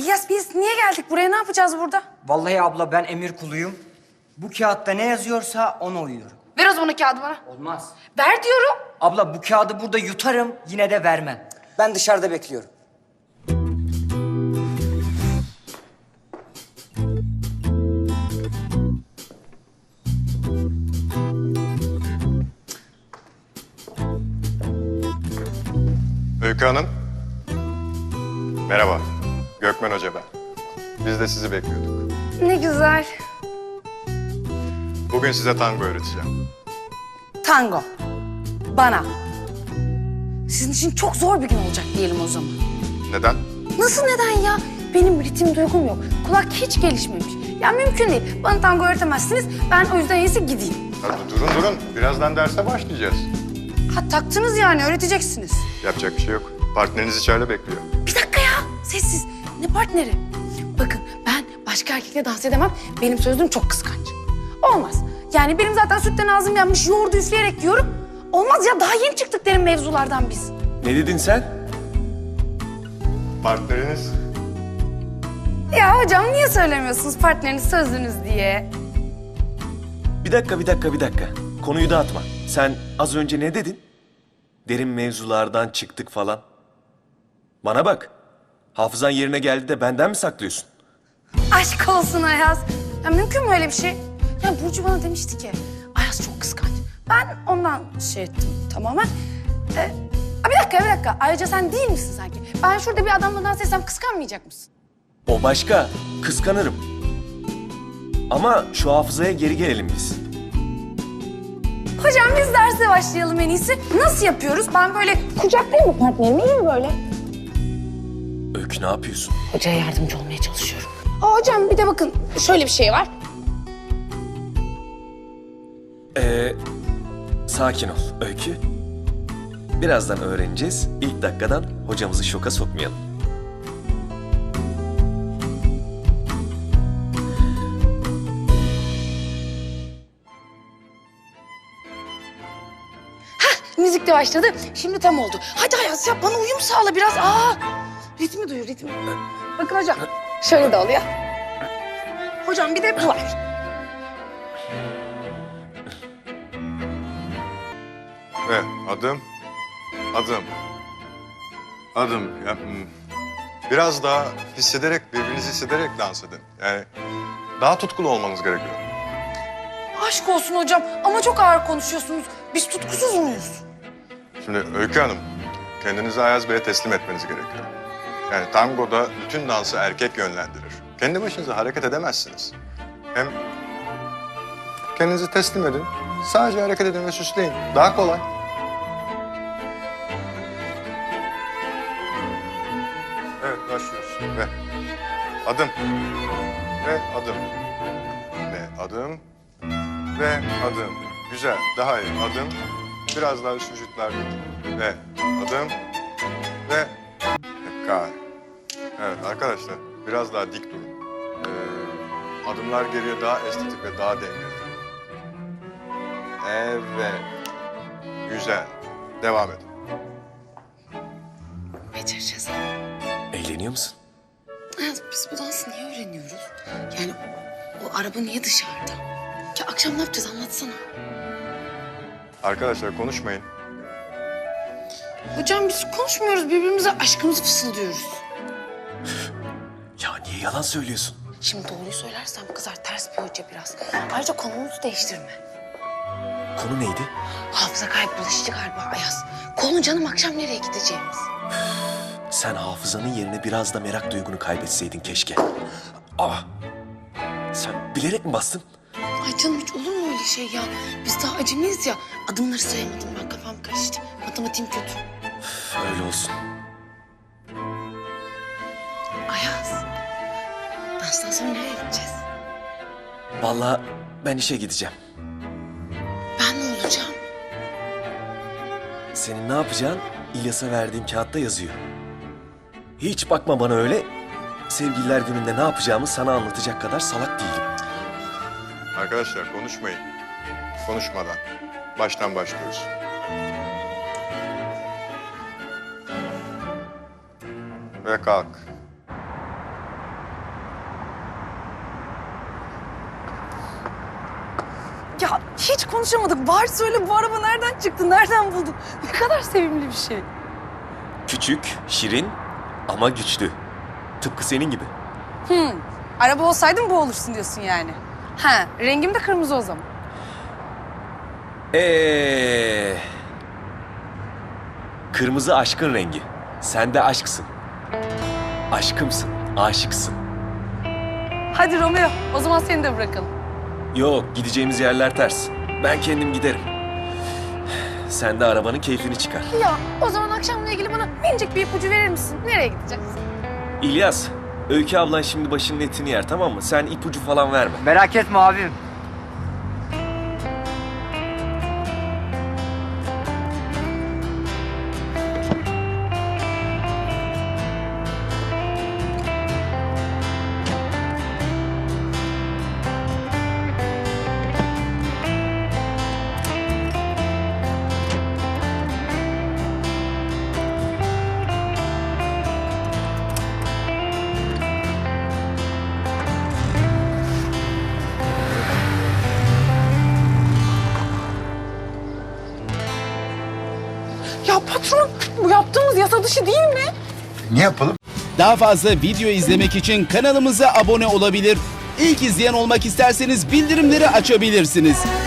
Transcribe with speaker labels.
Speaker 1: İlyas biz niye geldik buraya? Ne yapacağız burada?
Speaker 2: Vallahi abla ben emir kuluyum. Bu kağıtta ne yazıyorsa ona uyuyorum.
Speaker 1: Ver o zaman o kağıdı bana.
Speaker 2: Olmaz.
Speaker 1: Ver diyorum.
Speaker 2: Abla bu kağıdı burada yutarım, yine de vermem. Ben dışarıda bekliyorum.
Speaker 3: Öykü Hanım. Merhaba. Gökmen Hoca ben. Biz de sizi bekliyorduk.
Speaker 1: Ne güzel.
Speaker 3: Bugün size tango öğreteceğim.
Speaker 1: Tango. Bana. Sizin için çok zor bir gün olacak diyelim o zaman.
Speaker 3: Neden?
Speaker 1: Nasıl neden ya? Benim ritim duygum yok. Kulak hiç gelişmemiş. Ya mümkün değil. Bana tango öğretemezsiniz. Ben o yüzden en iyisi gideyim.
Speaker 3: Hadi durun. Birazdan derse başlayacağız.
Speaker 1: Ha taktınız yani öğreteceksiniz.
Speaker 3: Yapacak bir şey yok. Partneriniz içeride bekliyor.
Speaker 1: Bir dakika ya. Sessiz. Ne partneri? Bakın ben başka erkekle dans edemem. Benim sözüm çok kıskanç. Olmaz. Yani benim zaten sütten ağzım yanmış yoğurdu üfleyerek yiyorum. Olmaz ya daha yeni çıktık derin mevzulardan biz.
Speaker 4: Ne dedin sen?
Speaker 3: Partneriniz?
Speaker 1: Ya hocam niye söylemiyorsunuz partneriniz sözünüz diye?
Speaker 4: Bir dakika. Konuyu dağıtma. Sen az önce ne dedin? Derin mevzulardan çıktık falan. Bana bak. Hafızan yerine geldi de benden mi saklıyorsun?
Speaker 1: Aşk olsun Ayaz. Ya mümkün mü öyle bir şey? Ya Burcu bana demişti ki Ayaz çok kıskanç. Ben ondan şey ettim tamamen. Bir dakika. Ayrıca sen değil misin sanki? Ben şurada bir adamla dans etsem kıskanmayacak mısın?
Speaker 4: O başka. Kıskanırım. Ama şu hafızaya geri gelelim biz.
Speaker 1: Hocam biz derse başlayalım en iyisi. Nasıl yapıyoruz? Ben böyle kucaklayayım mı partnerimi? İyi mi böyle?
Speaker 4: Öykü ne yapıyorsun?
Speaker 1: Hocaya yardımcı olmaya çalışıyorum. Hocam bir de bakın şöyle bir şey var.
Speaker 4: Sakin ol Öykü. Birazdan öğreneceğiz. İlk dakikadan hocamızı şoka sokmayalım.
Speaker 1: Müzik de başladı. Şimdi tam oldu. Hadi Ayaz yap bana uyum sağla biraz. Ritmi duyur ritmi. Bakın hocam şöyle de oluyor. Hocam bir de bu var.
Speaker 3: Ve adım. Biraz daha birbirinizi hissederek dans edin. Yani daha tutkulu olmanız gerekiyor.
Speaker 1: Aşk olsun hocam ama çok ağır konuşuyorsunuz. Biz tutkusuz muyuz?
Speaker 3: Şimdi Öykü Hanım, kendinizi Ayaz Bey'e teslim etmeniz gerekiyor. Yani tangoda bütün dansı erkek yönlendirir. Kendi başınıza hareket edemezsiniz. Hem kendinizi teslim edin, sadece hareket edin ve süsleyin. Daha kolay. Evet, başlıyoruz. Ve adım. Ve adım. Ve adım. Ve adım. Güzel, daha iyi. Adım. Biraz daha üst vücutlar. Ve adım. Ve tekrar. Evet arkadaşlar, biraz daha dik durun. Adımlar geriye daha estetik ve daha dengeli. Evet. Güzel. Devam edin.
Speaker 1: Becereceğiz.
Speaker 4: Eğleniyor musun?
Speaker 1: Ayaz biz bu dansı niye öğreniyoruz? Yani o araba niye dışarıda? Ya akşam ne yapacağız anlatsana.
Speaker 3: Arkadaşlar konuşmayın.
Speaker 1: Hocam biz konuşmuyoruz birbirimize aşkımızı fısıldıyoruz.
Speaker 4: Ya niye yalan söylüyorsun?
Speaker 1: Şimdi doğruyu söylersem kızar ters bir hoca biraz. Ayrıca konumuzu değiştirme.
Speaker 4: Konu neydi?
Speaker 1: Hafıza kaybı bulaşıcı galiba Ayaz. Konu canım akşam nereye gideceğimiz.
Speaker 4: Sen hafızanın yerine biraz da merak duygunu kaybetseydin keşke. Sen bilerek mi bastın?
Speaker 1: Ay canım hiç olur mu öyle şey ya? Biz daha acemiyiz ya. Adımları sayamadım ben kafam karıştı. Matematiğim kötü.
Speaker 4: Öyle olsun.
Speaker 1: Ayaz. Danstan sonra nereye gideceğiz?
Speaker 4: Vallahi ben işe gideceğim.
Speaker 1: Ben ne olacağım?
Speaker 4: Senin ne yapacağın İlyas'a verdiğim kağıtta yazıyor. Hiç bakma bana öyle. Sevgililer gününde ne yapacağımı sana anlatacak kadar salak değilim.
Speaker 3: Arkadaşlar konuşmayın. Konuşmadan. Baştan başlıyoruz. Ve kalk.
Speaker 1: Ya hiç konuşamadık. Var söyle, bu araba nereden çıktı, nereden buldun? Ne kadar sevimli bir şey.
Speaker 4: Küçük, şirin ama güçlü. Tıpkı senin gibi.
Speaker 1: Araba olsaydın bu olursun diyorsun yani. Ha, rengim de kırmızı o zaman.
Speaker 4: Kırmızı aşkın rengi. Sen de aşksın. Aşkımsın, aşıksın.
Speaker 1: Hadi Romeo, o zaman seni de bırakalım.
Speaker 4: Yok, gideceğimiz yerler ters. Ben kendim giderim. Sen de arabanın keyfini çıkar.
Speaker 1: Ya o zaman akşamla ilgili bana minicik bir ipucu verir misin? Nereye gideceğiz?
Speaker 4: İlyas, Öykü ablan şimdi başının etini yer, tamam mı? Sen ipucu falan verme.
Speaker 2: Merak etme abim.
Speaker 1: Ya patron, bu yaptığımız yasa dışı değil mi?
Speaker 3: Ne yapalım?
Speaker 5: Daha fazla video izlemek için kanalımıza abone olabilir. İlk izleyen olmak isterseniz bildirimleri açabilirsiniz.